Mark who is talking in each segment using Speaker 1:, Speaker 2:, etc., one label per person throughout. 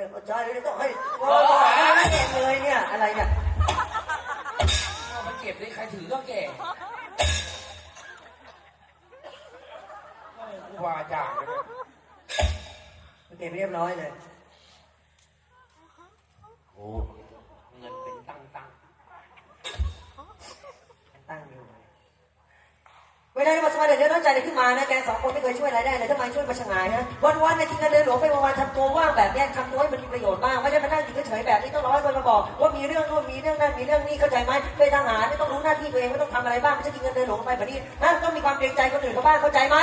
Speaker 1: เข้าใจเลยต้องให้บอกให้เองเลยเนี่ยอะไรเนี่ย
Speaker 2: มันเก็บได้ใครถือก็แก่กูวาจ่าเลย
Speaker 1: เก็บเรียบร้อยเลย
Speaker 2: โอ้เงินเป็นตั้ง
Speaker 1: อยู่เวลาที่มาสมัครเดือดร้อนใจเลยขึ้นมานะแกสองคนไม่เคยช่วยอะไรได้เลยทำไมช่วยมาชงายฮะวันๆในกินกันเดินหลวงไปวันๆทำตัวว่างแบบนี้ทำตัวให้มันมีประโยชน์บ้างไม่ใช่มานั่งอยู่เฉยๆแบบนี้ต้องรอให้คนมาบอกว่ามีเรื่องนู่นมีเรื่องนั่นมีเรื่องนี้เข้าใจไหมเป็นทหารไม่ต้องรู้หน้าที่ตัวเองไม่ต้องทำอะไรบ้างไม่ใช่กินกันเดินหลวงไปแบบนี้นะต้องมีความเกรงใจคนอื่นเขาบ้างเข้าใจไหม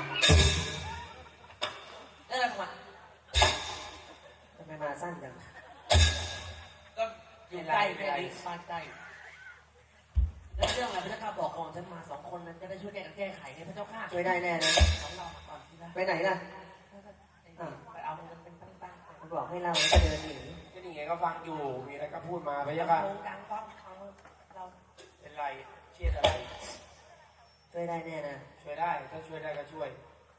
Speaker 2: นั่นแหละมัน
Speaker 1: ทำไมมาสั้นจัง
Speaker 2: ก็อยู่ใกล้แค่นี้บ้านใกล้แล้วเรื่องอะไรพระเจ้าข้าบอกก่อนฉันมา2 คนนั้นจะได้ช่วยแก้ไขไงพระเจ้าข้า
Speaker 1: ช่วยได้แน่นะ
Speaker 2: ของเราก่อนที่นะ
Speaker 1: ไปไหนล่ะ
Speaker 2: ไปเอาเงินเป็นตั้งๆ
Speaker 1: มันบอกให้เราจะเดินหนี
Speaker 2: ก็นี่ไงก็ฟังอยู่มีอะไรก็พูดมาพระเจ้าข้าดังฟังเราเป็นไรเครียดอะไร
Speaker 1: ช่วยได้แน่นะ
Speaker 2: ช่วยได้ถ้าช่วยได้ก็ช่วย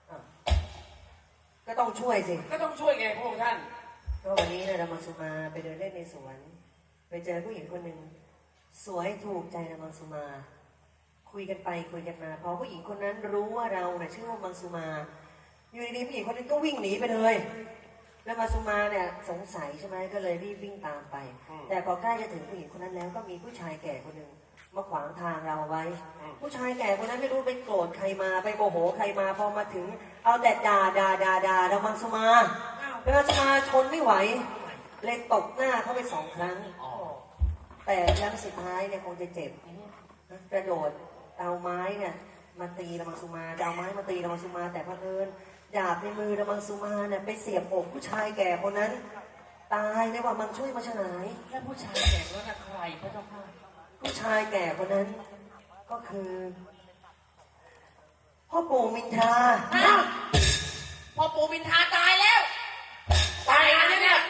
Speaker 1: ก็ต้องช่วยสิ
Speaker 2: ก็ต้องช่วยไงพระองค์ท่าน
Speaker 1: ก็วันนี้เนี่ยเรามาสุมาไปเดินเล่นในสวนไปเจอผู้หญิงคนหนึ่งสวยถูกใจนางมังสุมาคุยกันไปคุยกันมาพอผู้หญิงคนนั้นรู้ว่าเราเนี่ยชื่อว่ามังสุมาอยู่ดีๆผู้หญิงคนนั้นก็วิ่งหนีไปเลยแล้วมังสุมาเนี่ยสงสัยใช่ไหมก็เลยรีบวิ่งตามไปแต่พอใกล้จะถึงผู้หญิงคนนั้นแล้วก็มีผู้ชายแก่คนหนึ่งมาขวางทางเราไว้ผู้ชายแก่คนนั้นไม่รู้ไปโกรธใครมาไปโมโหใครมาพอมาถึงเอาแต่ด่าแล้วมังสุมาแล้วมังสุมาทนไม่ไหวเลยตบหน้าเขาไป2 ครั้งแต่ครั้งสุดท้ายเนี่ยคงจะเจ็บกระโดดเอาไม้เนี่ยมาตีระมังสุมาเอาไม้มาตีระมังสุมาแต่เผอิญดาบในมือระมังสุมาเนี่ยไปเสียบอกผู้ชายแก่คนนั้นตายเลยว่ามันช่วยมาฉลาย
Speaker 2: แล้วผู้ชายแก่คนนั้นใครพระเจ้าข้า
Speaker 1: ผู้ชายแก่คนนั้นก็คือพ่อปู่มินทรา
Speaker 2: พ่อปู่มินทราตายแล้วตายอะไรเนี่ย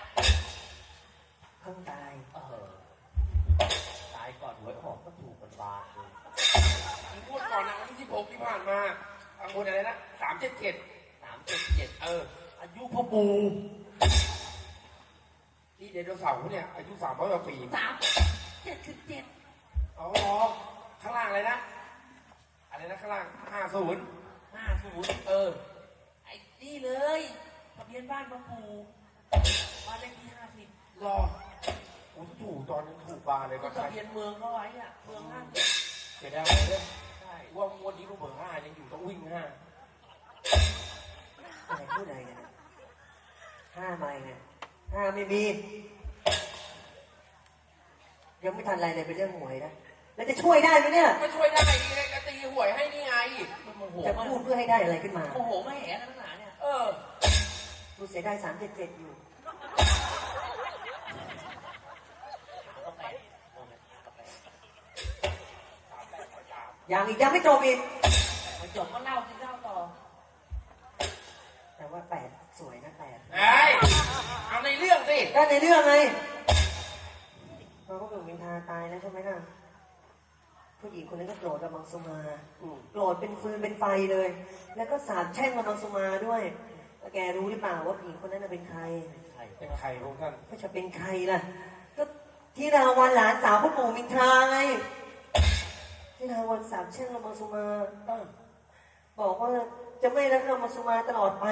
Speaker 1: เพิ่งตาย
Speaker 2: ตายก่อนหวยออกก็ถูกกันบาทเลยพูดก่อนนะวันที่16ที่ผ่านมาทางคนอะไรนะ377อายุพ่อปู่ที่ไดโนเสาร์เนี่ยอายุ300 กว่าปี377อ๋อข้างล่างอะไรนะข้างล่าง50ไอ้นี่เลยทะเบียนบ้านพ่อปู่บ้านเลขที่50รอผมถูกตอนนั้นถูกบาเลยก็ทะเบียนเมืองเขาไว้อะเมือง50เสียดายเลยใช่ว่างวดนี้ก็เบอร์5ยังอยู่ต้องวิ่ง5
Speaker 1: อะไรพูดอะไรกัน5ใบไง5ไม่มียังไม่ทันอะไรเลยเป็นเรื่องหวยนะแล้วจะช่วยได้ไหมเนี่ย
Speaker 2: ไม่ช่วยได้จะตีหวยให้นี่ไง
Speaker 1: จะพูดเพื่อให้ได้อะไรขึ้นมา
Speaker 2: โอ้โหไม่แหนขนาดเนี่ย
Speaker 1: กูเสียได้377อยู่ยังไม่จบอีก
Speaker 2: ไม่จบก็เล่าต่อ
Speaker 1: แต่ว่า8สวยนะ8
Speaker 2: เอาในเรื่องสิ
Speaker 1: ก็ในเรื่องไงพอปู่มินทราตายแล้วใช่ไหมล่ะผู้หญิงคนนั้นก็โกรธระมังสุมาโกรธเป็นฟืนเป็นไฟเลยแล้วก็สาปแช่งระมังสุมาด้วยแกรู้หรือเปล่าว่าผู้หญิงคนนั้นเป็นใคร
Speaker 2: เป็นใครพวกท่าน
Speaker 1: ก็จะเป็นใครล่ะก็ที่ราวันหลานสาวพ่อปู่มินทราไงที่ราวันสาปแช่งระมังสุมาบอกว่าจะไม่รักระมังสุมาตลอดไป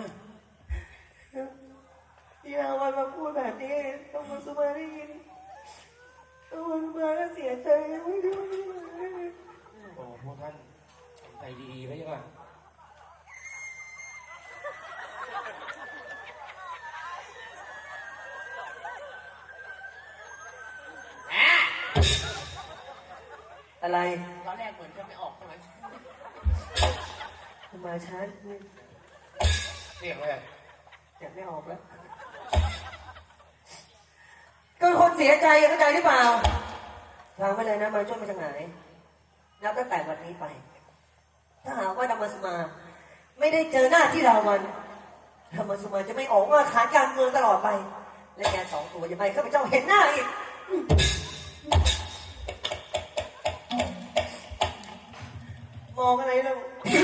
Speaker 1: ที่ราวันมาพูดแบบนี้ระมังสุมาได้ยินระมังสุมาก็เสียใจไม่รู้
Speaker 2: โอ้พวกท่านใจดีไหมจ๊ะ
Speaker 1: อะไร
Speaker 2: ตอนแรกเหมือนจะไม่ออกใช่ไหม
Speaker 1: มาช้า
Speaker 2: เรียกเลย
Speaker 1: จะไม่ออกแล้วก็คนเสียใจเข้าใจหรือเปล่าฟังไปเลยนะมาช่วยมาจากไหนนับตั้งแต่วันนี้ไปถ้าหากว่าธรรมสมาไม่ได้เจอหน้าที่ราวันธรรมสมาจะไม่ออกว่าขาดการเมืองตลอดไปและแก2 ตัวจะไปข้าพเจ้าเห็นหน้าอีกมองอะไรแล้ว